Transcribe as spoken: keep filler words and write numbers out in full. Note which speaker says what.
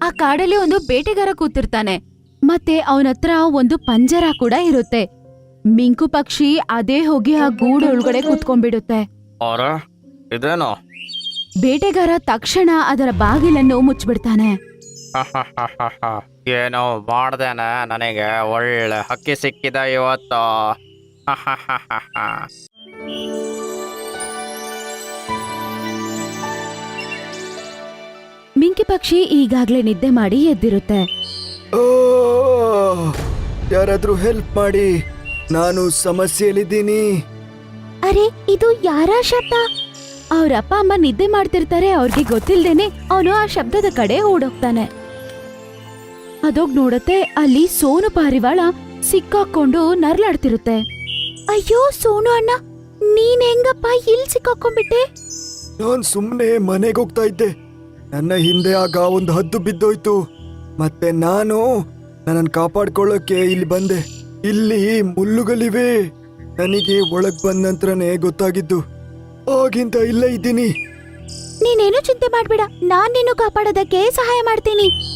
Speaker 1: ಆ ಕಾಡಲ್ಲಿ ಒಂದು ಬೇಟೆಗಾರ ಕೂತಿರ್ತಾನೆ, ಮತ್ತೆ ಅವನತ್ರ ಒಂದು ಪಂಜರ ಕೂಡ ಇರುತ್ತೆ. ಮಿಂಕು ಪಕ್ಷಿ ಅದೇ ಹೋಗಿ ಆ ಗೂಡು ಒಳಗಡೆ ಕೂತ್ಕೊಂಡ್ಬಿಡುತ್ತೆ.
Speaker 2: ಅರೆ ಇದೇನು?
Speaker 1: ಬೇಟೆಗಾರ ತಕ್ಷಣ ಅದರ ಬಾಗಿಲನ್ನು ಮುಚ್ಚಿಬಿಡ್ತಾನೆ.
Speaker 2: ಏನೋ ಮಾಡ್ದೇನೆ, ನನಗೆ ಒಳ್ಳೆ ಹಕ್ಕಿ ಸಿಕ್ಕಿದೆ ಇವತ್ತು.
Speaker 1: ಮಿಂಕಿ ಪಕ್ಷಿ ಈಗಾಗ್ಲೇ ನಿದ್ದೆ ಮಾಡಿ ಎದ್ದಿರುತ್ತೆ.
Speaker 3: ಓ ಯಾರಾದ್ರೂ ಹೆಲ್ಪ್ ಮಾಡಿ, ನಾನು ಸಮಸ್ಯೆಯಲ್ಲಿದ್ದೀನಿ.
Speaker 1: ಅರೆ ಇದು ಯಾರ ಶಬ್ದ? ಅವ್ರ ಅಪ್ಪ ಅಮ್ಮ ನಿದ್ದೆ ಮಾಡ್ತಿರ್ತಾರೆ. ಅವ್ರಿಗೆ ಗೊತ್ತಿಲ್ದೇನೆ ಅವನು ಆ ಶಬ್ದದ ಕಡೆ ಓಡೋಗ್ತಾನೆ. ಅದೋಗ್ ನೋಡತ್ತೆ, ಅಲ್ಲಿ ಸೋನು ಪಾರಿವಾಳ ಸಿಕ್ಕಾಕೊಂಡು ನರ್ಲಾಡ್ತಿರುತ್ತೆ. ಅಯ್ಯೋ ಸೋನು ಅಣ್ಣ, ನೀನ್ ಹೆಂಗಪ್ಪ ಇಲ್ಲಿ ಸಿಕ್ಕಾಕೊಂಡ್ಬಿಟ್ಟೆ?
Speaker 3: ನಾನ್ ಸುಮ್ನೆ ಮನೆಗೆ ಹೋಗ್ತಾ ಇದ್ದೆ. ನನ್ನ ಹಿಂದೆ ಆಗ ಒಂದು ಹದ್ದು ಬಿದ್ದೋಯ್ತು. ಮತ್ತೆ ನಾನು ನನ್ನನ್ನು ಕಾಪಾಡ್ಕೊಳ್ಳೋಕೆ ಇಲ್ಲಿ ಬಂದೆ. ಇಲ್ಲಿ ಮುಳ್ಳುಗಳಿವೆ. ನನಗೆ ಒಳಗ್ ಬಂದ ನಂತರನೇ ಗೊತ್ತಾಗಿದ್ದು. ಆಗಿಂತ ಇಲ್ಲೇ ಇದ್ದೀನಿ.
Speaker 1: ನೀನೇನು ಚಿಂತೆ ಮಾಡ್ಬೇಡ, ನಾನ್ ನಿನ್ನ ಕಾಪಾಡೋದಕ್ಕೆ ಸಹಾಯ ಮಾಡ್ತೀನಿ.